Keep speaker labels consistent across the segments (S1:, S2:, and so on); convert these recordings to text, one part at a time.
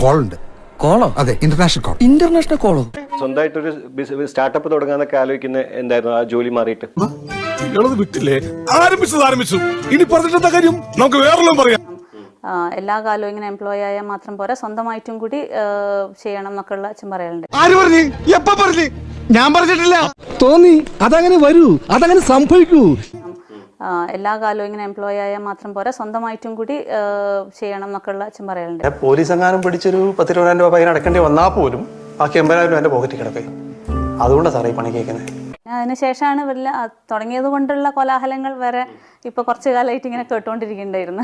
S1: Call ഉണ്ട്.
S2: കോളോ?
S1: അതെ, international call.
S2: International കോളോ?
S3: സ്വന്തമായിട്ടൊരു സ്റ്റാർട്ടപ്പ് തുടങ്ങാനൊക്കെ ആലോചിക്കുന്ന എന്തായിരുന്നു ആ ജോലി മാറിയിട്ട്?
S4: വിട്ടില്ലേ, ആരംഭിച്ചു ഇനി പറഞ്ഞിട്ടെന്താ കാര്യം, നമുക്ക് വേറെല്ലാം പറയാം.
S5: എല്ലാ കാലവും ഇങ്ങനെ എംപ്ലോയി ആയാൽ മാത്രം പോരാ, സ്വന്തമായിട്ടും കൂടി ചെയ്യണം എന്നൊക്കെയുള്ള അച്ഛൻ പറയാറുണ്ട്.
S4: ആര് പറഞ്ഞു? എപ്പ പറഞ്ഞു? ഞാൻ പറഞ്ഞിട്ടില്ല.
S2: തോന്നി അതങ്ങനെ വരൂ, അതങ്ങനെ സംഭവിക്കൂ.
S5: എല്ലാ കാലവും ഇങ്ങനെ എംപ്ലോയി ആയാൽ മാത്രം പോരാ, സ്വന്തമായിട്ടും കൂടി ചെയ്യണം എന്നൊക്കെയുള്ള അച്ഛൻ പറയാറുണ്ട്.
S6: പോലീസ് എങ്ങാനും പിടിച്ചൊരു 10,000 രൂപ പൈന അടക്കേണ്ടി വന്നാൽ പോലും ബാക്കി 80,000 രൂപ എൻ്റെ പോക്കറ്റിൽ കിടക്കേ. അതുകൊണ്ടാണ് സാറേ ഈ പണി കേൾക്കുന്നത്.
S5: അതിനുശേഷമാണ് വല്ല തുടങ്ങിയത് കൊണ്ടുള്ള കോലാഹലങ്ങൾ വരെ ഇപ്പൊ കുറച്ചു കാലമായിട്ട് ഇങ്ങനെ കേട്ടോണ്ടിരിക്കുന്നുണ്ടായിരുന്നു.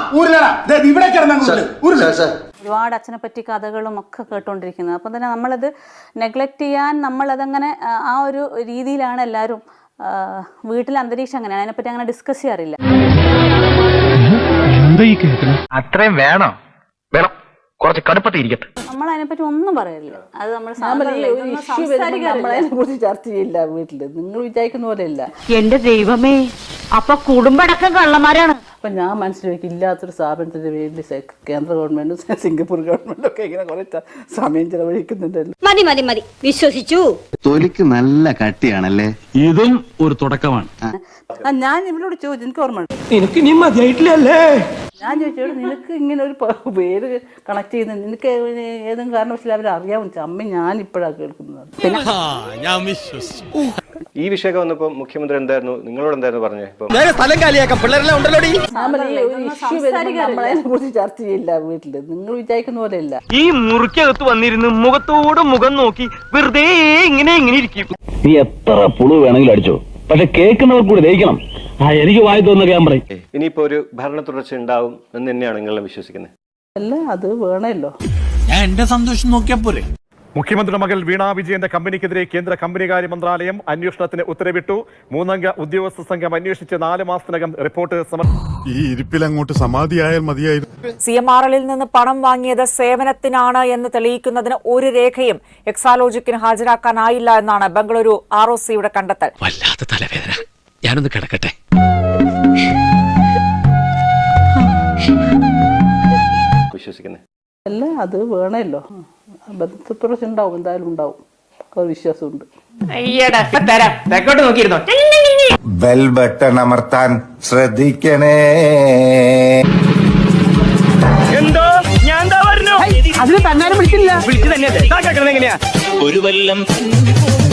S5: ഒരുപാട് അച്ഛനെ പറ്റി കഥകളും ഒക്കെ കേട്ടോണ്ടിരിക്കുന്നത്. അപ്പം തന്നെ നമ്മളത് നെഗ്ലക്ട് ചെയ്യാൻ, നമ്മളതങ്ങനെ ആ ഒരു രീതിയിലാണ് എല്ലാവരും. വീട്ടിലെ അന്തരീക്ഷം അങ്ങനെയാണ്, അതിനെപ്പറ്റി അങ്ങനെ ഡിസ്കസ് ചെയ്യാറില്ല.
S7: അത്രയും വേണം, വേണം, കുറച്ച് കടുപ്പത്തിരിക്കട്ടെ.
S5: നമ്മൾ അതിനെപ്പറ്റി ഒന്നും പറയില്ല. അത് നമ്മൾ
S8: കുറിച്ച് ചർച്ച ചെയ്യില്ല വീട്ടില്. നിങ്ങൾ വിചാരിക്കുന്ന പോലെയല്ല.
S9: എന്റെ ദൈവമേ, അപ്പൊ കുടുംബടക്കം കള്ളന്മാരാണ്.
S8: അപ്പൊ ഞാൻ മനസ്സിലാക്കി ഇല്ലാത്തൊരു സ്ഥാപനത്തിന്റെ വേണ്ടി കേന്ദ്ര ഗവൺമെന്റും സിംഗപ്പൂർ ഗവൺമെന്റും ഒക്കെ ഇങ്ങനെ കുറെ സമയം ചെലവഴിക്കുന്നുണ്ടല്ലോ.
S9: മതി മതി മതി, വിശ്വസിച്ചു.
S10: തൊലിക്ക് നല്ല കട്ടിയാണല്ലേ.
S7: ഇതും ഒരു തുടക്കമാണ്.
S8: ഞാൻ ഇവരോട് ചോദിച്ചു, എനിക്ക് ഓർമ്മ ഉണ്ട്,
S2: നിനക്ക് ഇനി മതിയായിട്ടില്ലല്ലേ?
S8: ഞാൻ ചോദിച്ചോട് നിനക്ക് ഇങ്ങനെ ഒരു പേര് കണക്ട് ചെയ്യുന്നത് നിനക്ക് ഏതെങ്കിലും കാരണവശാലും അവർ അറിയാമെന്ന്. അമ്മ ഞാൻ ഇപ്പോഴാണ് കേൾക്കുന്നത്.
S3: ഈ വിഷയമൊക്കെ വന്നപ്പോ മുഖ്യമന്ത്രി എന്തായിരുന്നു നിങ്ങളോട് എന്തായിരുന്നു പറഞ്ഞത്?
S2: സ്ഥലം കാലിയാക്കാം, പിള്ളേരെല്ലാം ഉണ്ടല്ലോ.
S8: നമ്മളതിനെ കുറിച്ച് ചർച്ച ചെയ്യില്ല വീട്ടില്. നിങ്ങൾ വിചാരിക്കുന്ന പോലെയല്ല.
S7: ഈ മുറിക്കകത്ത് വന്നിരുന്ന് മുഖത്തോട് മുഖം നോക്കി വെറുതെ ഇങ്ങനെ ഇരിക്കും.
S11: നീ എത്ര പുളു വേണമെങ്കിലും അടിച്ചോ, പക്ഷെ കേൾക്കുന്നവർ കൂടി ദഹിക്കണം. എനിക്ക് വായി തോന്നുന്ന ഞാൻ പറയും.
S3: ഇനിയിപ്പോ ഒരു ഭരണ തുടർച്ച ഉണ്ടാവും എന്ന് തന്നെയാണ് നിങ്ങളെല്ലാം വിശ്വസിക്കുന്നത്?
S8: അല്ല, അത് വേണമല്ലോ.
S4: ഞാൻ എന്റെ സന്തോഷം നോക്കിയാ പോരെ.
S12: മുഖ്യമന്ത്രിയുടെ മകൾ വീണ വിജയന്റെ കമ്പനിക്കെതിരെ കേന്ദ്ര കമ്പനികാര്യ മന്ത്രാലയം അന്വേഷണത്തിന് ഉത്തരവിട്ടു. 3-അംഗ ഉദ്യോഗസ്ഥ സംഘം അന്വേഷിച്ച് 4 മാസത്തിനകം റിപ്പോർട്ട്
S4: ഈ ഇരിപ്പിലങ്ങോട്ട് സമാധിയായാൽ മതിയായിരുന്നു.
S9: CMRL നിന്ന് പണം വാങ്ങിയത് സേവനത്തിനാണ് എന്ന് തെളിയിക്കുന്നതിന് ഒരു രേഖയും എക്സാലോജിക്കിന് ഹാജരാക്കാനായില്ല എന്നാണ് ബംഗളൂരു ROCയുടെ കണ്ടെത്തൽ.
S7: വല്ലാത്ത തലവേദന, ഞാനൊന്ന് കിടക്കട്ടെ.
S3: വിശ്വസിക്കുന്നത്?
S8: അല്ല, അത് വേണമല്ലോ. ബന്ധപ്രശ്നം ഉണ്ടാവും, എന്തായാലും ഉണ്ടാവും. ഒരു വിശ്വാസമുണ്ട്.
S1: ബെൽ ബട്ടൺ അമർത്താൻ ശ്രദ്ധിക്കണേ.
S7: എന്തോ ഞാൻ
S8: അതിന് തന്നെ വിളിച്ചില്ല.
S7: വിളിച്ചു തന്നെ ഒരു വല്ലം